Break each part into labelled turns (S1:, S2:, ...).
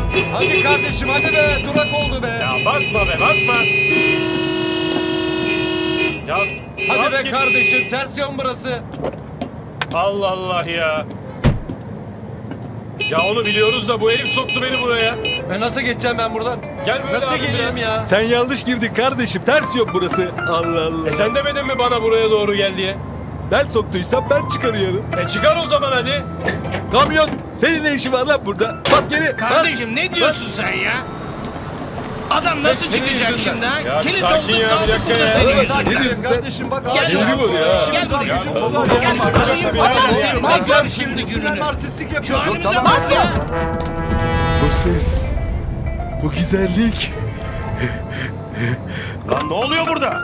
S1: Hadi kardeşim hadi be. Durak oldu be.
S2: Ya basma be basma. Ya
S1: Hadi
S2: bas
S1: be
S2: git.
S1: kardeşim. Ters yön burası.
S2: Allah Allah ya. Ya onu biliyoruz da bu herif soktu beni buraya.
S1: Nasıl geçeceğim ben buradan?
S2: Gel böyle
S1: Nasıl
S2: abi
S1: geleyim
S2: biraz.
S1: ya?
S3: Sen yanlış girdin kardeşim. Ters yok burası. Allah Allah.
S2: Sen demedin mi bana buraya doğru gel diye?
S3: Ben soktuysam ben çıkarıyorum.
S2: Çıkar o zaman hadi.
S3: Kamyon. Senin ne işin var lan burada? Bas geri.
S4: Kardeşim ne diyorsun sen ya? Adam nasıl
S1: senin
S4: çıkacak
S1: yüzünden.
S4: şimdi ha?
S2: Ya
S4: Kilit
S2: sakin
S4: olduk
S2: ya, bir
S4: kaldık
S2: dakika
S4: burada
S2: ya.
S4: senin
S1: Bas.
S4: yüzünden.
S3: Ne diyorsun sen?
S1: Kardeşim bak.
S4: Gel
S1: acil
S4: buraya.
S1: var ya.
S4: Gel
S1: İşimiz var,
S4: buraya.
S1: gücümüz var ya.
S4: Gel
S2: arkadaşlar,
S4: buraya. Açar
S2: ya.
S4: mısın?
S2: Ya.
S4: Bak
S1: Bak
S4: şimdi
S1: Sinema
S4: gününü.
S1: artistlik
S4: Şu
S1: yapıyorsun.
S4: halimize bak ya.
S3: Bu ses. Bu güzellik.
S5: Lan ne oluyor burada?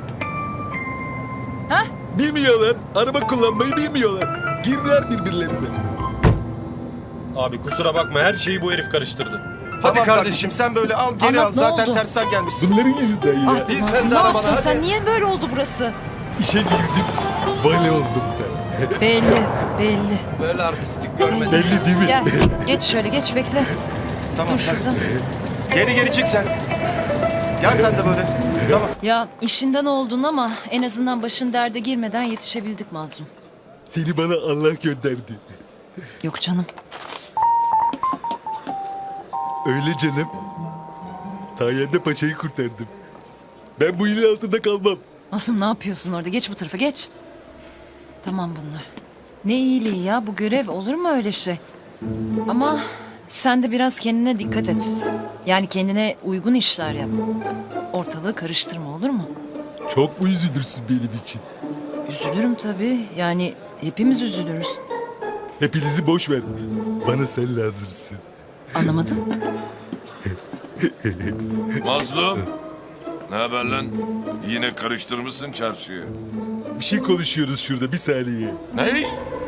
S3: Bilmiyorlar. Araba kullanmayı bilmiyorlar. Girdiler birbirlerine.
S2: Abi kusura bakma her şeyi bu herif karıştırdı.
S5: Tamam
S1: kardeşim.
S5: kardeşim sen böyle al geri
S6: Anlat,
S5: al.
S6: ne
S5: Zaten
S6: oldu?
S5: tersten gelmişsin.
S3: Bunların yüzünden ya.
S6: Ah
S1: Bin
S6: Mazlum,
S1: sen de
S6: ne
S1: arabana,
S6: yaptın
S1: hadi.
S6: sen? Niye böyle oldu burası?
S3: İşe girdim. Vale oldum ben.
S6: Belli.
S1: Böyle artistlik görmedim.
S3: Belli değil mi?
S6: Gel, geç şöyle geç bekle.
S5: Tamam.
S6: Dur şurada.
S5: Geri çık sen. Gel sen de böyle. Tamam.
S6: Ya işinden oldun ama en azından başın derde girmeden yetişebildik Mazlum.
S3: Seni bana Allah gönderdi.
S6: Yok canım.
S3: Öyle canım. Sayende paçayı kurtardım. Ben bu ilin altında kalmam.
S6: Mazlum ne yapıyorsun orada? Geç bu tarafa geç. Tamam bunlar. Ne iyiliği ya, bu görev olur mu öyle şey? Ama sen de biraz kendine dikkat et. Yani kendine uygun işler yap. Ortalığı karıştırma, olur mu?
S3: Çok mu üzülürsün benim için?
S6: Üzülürüm tabii. Yani hepimiz üzülürüz.
S3: Hepinizi boş ver. Bana sen lazımsın.
S6: Anlamadım.
S7: Mazlum. Ne haber lan? Yine karıştırmışsın çarşıyı.
S3: Bir şey konuşuyoruz şurada, bir saniye.
S7: Ne?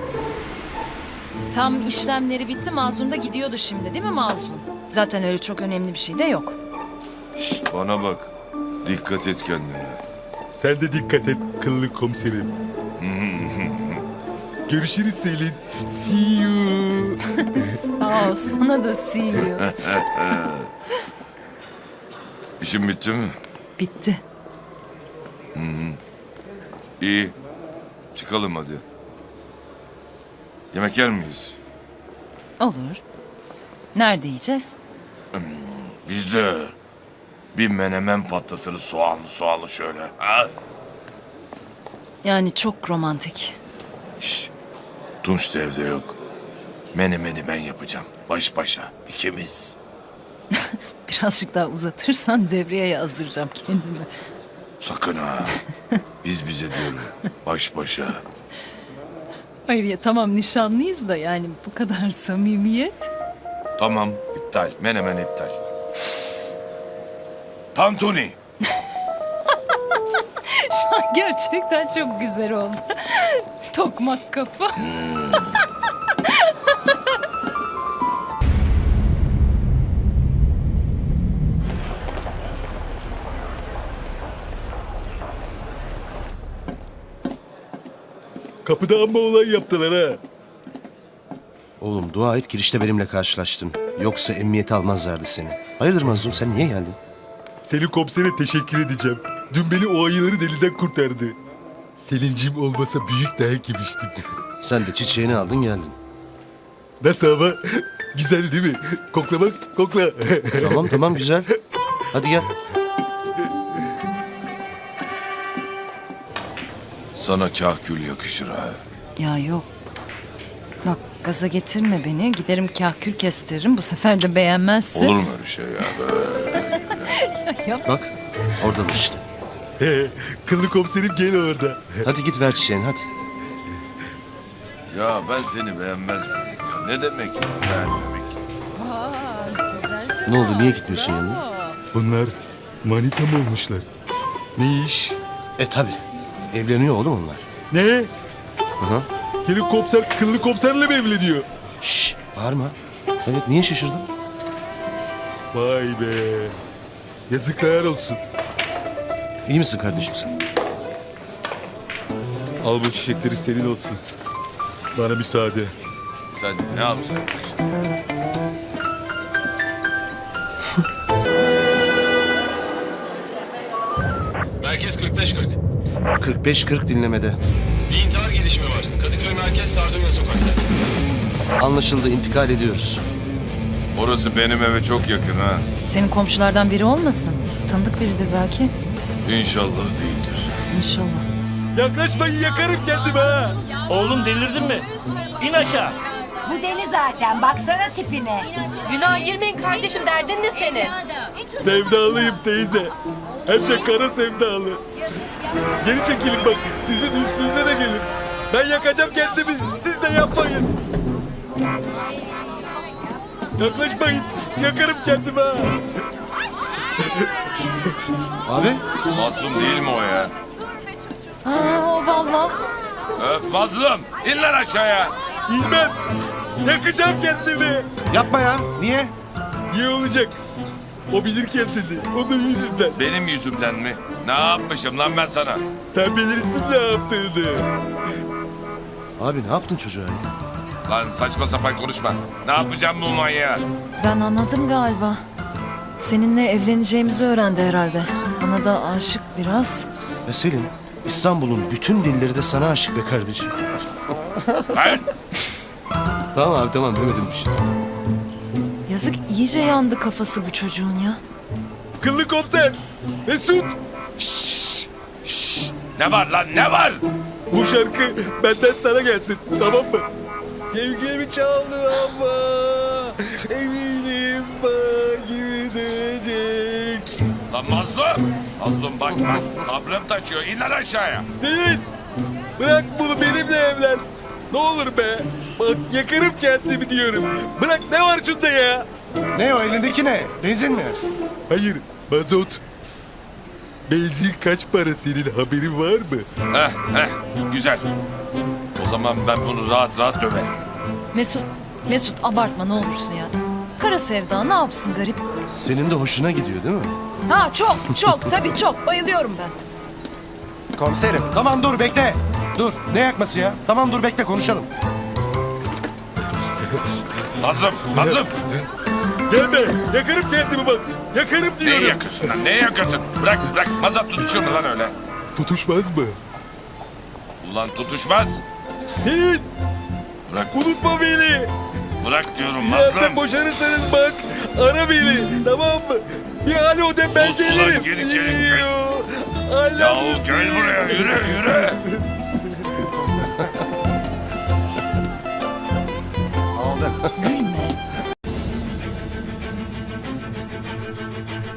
S6: Tam işlemleri bitti. Mazlum da gidiyordu şimdi, değil mi Mazlum? Zaten öyle çok önemli bir şey de yok.
S7: Şşt bana bak. Dikkat et kendine.
S3: Sen de dikkat et kıllı komiserim. Görüşürüz Selin. See you.
S6: Sağ ol, sana da see you.
S7: İşin bitti mi?
S6: Bitti.
S7: İyi. Çıkalım hadi. Yemek yer miyiz?
S6: Olur. Nerede yiyeceğiz?
S7: Biz de bir menemen patlatırız soğanlı şöyle. Ha?
S6: Yani çok romantik.
S7: Şşt. Tunç da evde yok. Menemeni ben yapacağım. Baş başa. İkimiz.
S6: Birazcık daha uzatırsan devreye yazdıracağım kendimi.
S7: Sakın ha. Biz bize diyorum. Baş başa.
S6: Hayır ya tamam nişanlıyız da yani bu kadar samimiyet.
S7: Tamam. iptal. Menemen iptal. Tantuni.
S6: Şu an gerçekten çok güzel oldu. Tokmak kafa.
S3: Kapıda amma olay yaptılar ha.
S8: Oğlum dua et girişte benimle karşılaştın. Yoksa emniyete almazlardı seni. Hayırdır Mazlum sen niye geldin?
S3: Selin komisere teşekkür edeceğim. Dün beni o ayıların elinden kurtardı. Selincim olmasa büyük dayak yemiştim.
S8: Sen de çiçeğini aldın geldin.
S3: Nasıl ama? Güzel değil mi? Kokla bak, kokla.
S8: Tamam güzel. Hadi gel.
S7: Sana kahkül yakışır ha.
S6: Ya yok. Bak gaza getirme beni. Giderim kahkül kestiririm. Bu sefer de beğenmezse.
S7: Olur mu öyle şey ya? Böyle.
S8: Bak oradan işte.
S3: Kıllı komiserim gel orada.
S8: Hadi git ver çiçeğini hadi.
S7: Ya ben seni beğenmez miyim? Ya? Ne demek ya beğenmemek?
S8: Ne oldu niye gitmiyorsun yanına?
S3: Bunlar manita mı olmuşlar? Ne iş?
S8: Tabi. Evleniyor oğlum onlar.
S3: Ne?
S8: Hı.
S3: Senin komiser kıllı komiserle mi evleniyor?
S8: Şşş bağırma. Evet niye şaşırdın?
S3: Vay be. Yazıklar olsun.
S8: İyi misin kardeşim sen?
S3: Al bu çiçekleri senin olsun. Bana müsaade.
S7: Sen ne yapsan yakışır?
S9: Merkez 45-40.
S8: 45-40 dinlemede.
S9: Bir intihar gelişimi var. Kadıköy Merkez Sardunya Sokak'ta.
S8: Anlaşıldı, intikal ediyoruz.
S7: Orası benim eve çok yakın ha.
S6: Senin komşulardan biri olmasın? Tanıdık biridir belki.
S7: İnşallah değildir.
S6: İnşallah.
S3: Yaklaşmayın yakarım kendimi ha.
S4: Oğlum delirdin mi? İn aşağı.
S10: Bu deli zaten. Baksana tipine.
S11: Günah girmeyin kardeşim, derdin ne senin?
S3: Sevdalıyım teyze. Hem de kara sevdalı. Geri çekilin bak. Sizin üstünüze de gelir. Ben yakacağım kendimi. Siz de yapmayın. Yaklaşmayın. Yakarım kendimi ha.
S8: Abi,
S7: Mazlum değil mi o ya?
S6: Ha, o valla.
S7: Öf mazlum. İn lan aşağıya.
S3: İlmem. Yakacağım kendimi.
S8: yapma ya. Niye?
S3: Niye olacak? O bilir kendini. Onun yüzünden.
S7: Benim yüzümden mi? Ne yapmışım lan ben sana?
S3: Sen bilirsin ne yaptığını.
S8: Abi ne yaptın çocuğa ya?
S7: Lan saçma sapan konuşma. Ne yapacağım bu manyağı?
S6: Ben anladım galiba. Seninle evleneceğimizi öğrendi herhalde. Bana da aşık biraz.
S8: Ya Selin, İstanbul'un bütün dilleri de sana aşık be kardeşim.
S7: Ben?
S8: Tamam abi, tamam, demedim bir şey.
S6: Yazık, iyice yandı kafası bu çocuğun ya.
S3: Kıllı komiser. Mesut.
S7: Ne var lan ne var?
S3: Bu şarkı benden sana gelsin. Tamam mı? Sevgilimi çaldı ama eminim bana gibi dönecek.
S7: Lan mazlum. Mazlum bak sabrım taşıyor. İn lan aşağıya.
S3: Selin. Bırak bunu benimle evlen. Ne olur be. Bak yakarım kendimi diyorum. Bırak ne var şunda ya?
S8: Ne o, elindeki ne? Benzin mi?
S3: Hayır, mazot. Benzin kaç para senin haberin var mı?
S7: Heh güzel. O zaman ben bunu rahat rahat döverim.
S6: Mesut abartma ne olursun ya. Kara sevda ne yapsın garip?
S8: Senin de hoşuna gidiyor değil mi?
S6: Ha çok tabii çok bayılıyorum ben.
S8: Komiserim. Tamam dur, bekle. Dur, ne yakması ya? Tamam dur, bekle, konuşalım.
S7: Mazlum.
S3: Gelme, yakarım kendimi bak. Yakarım
S7: Ne
S3: diyorum.
S7: yakıyorsun lan? Ne yakıyorsun? Bırak. Mazat tutuşur mu lan öyle?
S3: Tutuşmaz mı?
S7: Ulan tutuşmaz.
S3: Selin,
S7: Bırak.
S3: unutma beni.
S7: Bırak diyorum
S3: Birazdan
S7: mazlum.
S3: boşanırsanız bak, ara beni. Tamam mı? Bir alo de ben
S7: Sus ulan,
S3: gelirim.
S7: geri çekil.
S3: See you. I love
S7: Yahu
S3: you,
S7: gel
S3: see you.
S7: buraya yürü.
S5: Aldı.
S6: Gülme.